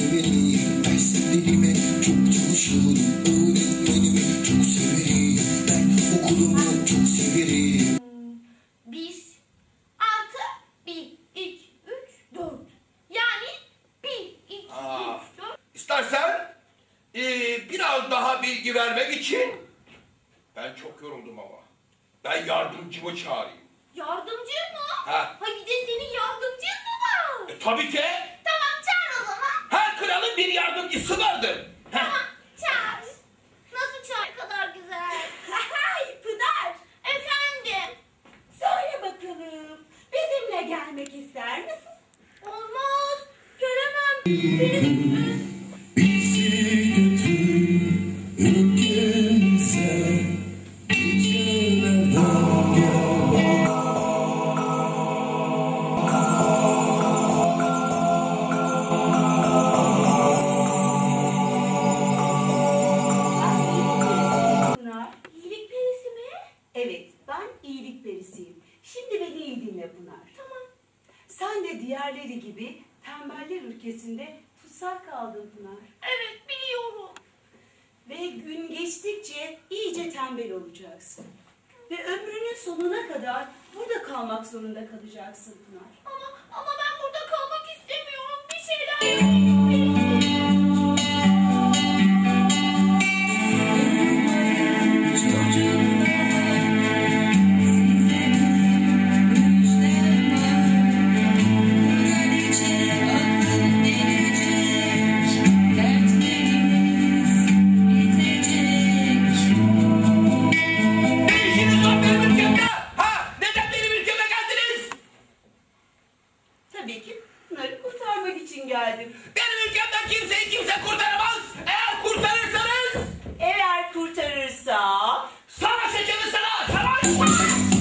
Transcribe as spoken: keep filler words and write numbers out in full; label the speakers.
Speaker 1: severim. Derslerime çok çalışıyorum. Öğretmenimi çok severim. Ben okulumu çok severim.
Speaker 2: Bir, altı, bir, iki, üç, dört. Yani bir, iki,
Speaker 3: Aa,
Speaker 2: üç, dört.
Speaker 3: İstersen ee, biraz daha bilgi vermek için ben çok yoruldum ama. Ben yardımcımı çağırayım.
Speaker 2: Yardımcı mı?
Speaker 3: Ha.
Speaker 2: Ha bir de senin yardımcın mı var?
Speaker 3: E, tabii ki.
Speaker 2: Tamam çağır o zaman.
Speaker 3: Her kralın bir yardımcısı vardır.
Speaker 2: Tamam çağır. Nasıl çağır? Ne kadar güzel. Hay Pınar. Efendim.
Speaker 4: Söyle bakalım, bizimle gelmek ister misin?
Speaker 2: Olmaz. Gelemem. Benim...
Speaker 1: Bizi götür ülkemize. Gecelerden gel.
Speaker 4: Pınar.
Speaker 2: İyilik perisi mi?
Speaker 4: Evet, ben iyilik perisiyim. Şimdi beni iyi dinle Pınar.
Speaker 2: Tamam.
Speaker 4: Sen de diğerleri gibi tembeller ülkesinde tutsak kaldın Pınar.
Speaker 2: Evet biliyorum.
Speaker 4: Ve gün geçtikçe iyice tembel olacaksın. Ve ömrünün sonuna kadar burada kalmak zorunda kalacaksın Pınar.
Speaker 2: Ama, ama ben burada kalmak istemiyorum. Bir şeyler yapayım.
Speaker 3: Ne işiniz var benim ülkemde? Ha? Neden benim ülkeme geldiniz?
Speaker 4: Tabii ki Pınar'ı kurtarmak için geldim.
Speaker 3: Benim ülkemden kimseyi kimse kurtaramaz. Eğer kurtarırsanız
Speaker 4: Eğer kurtarırsam...
Speaker 3: savaş açarız sana. Savaş.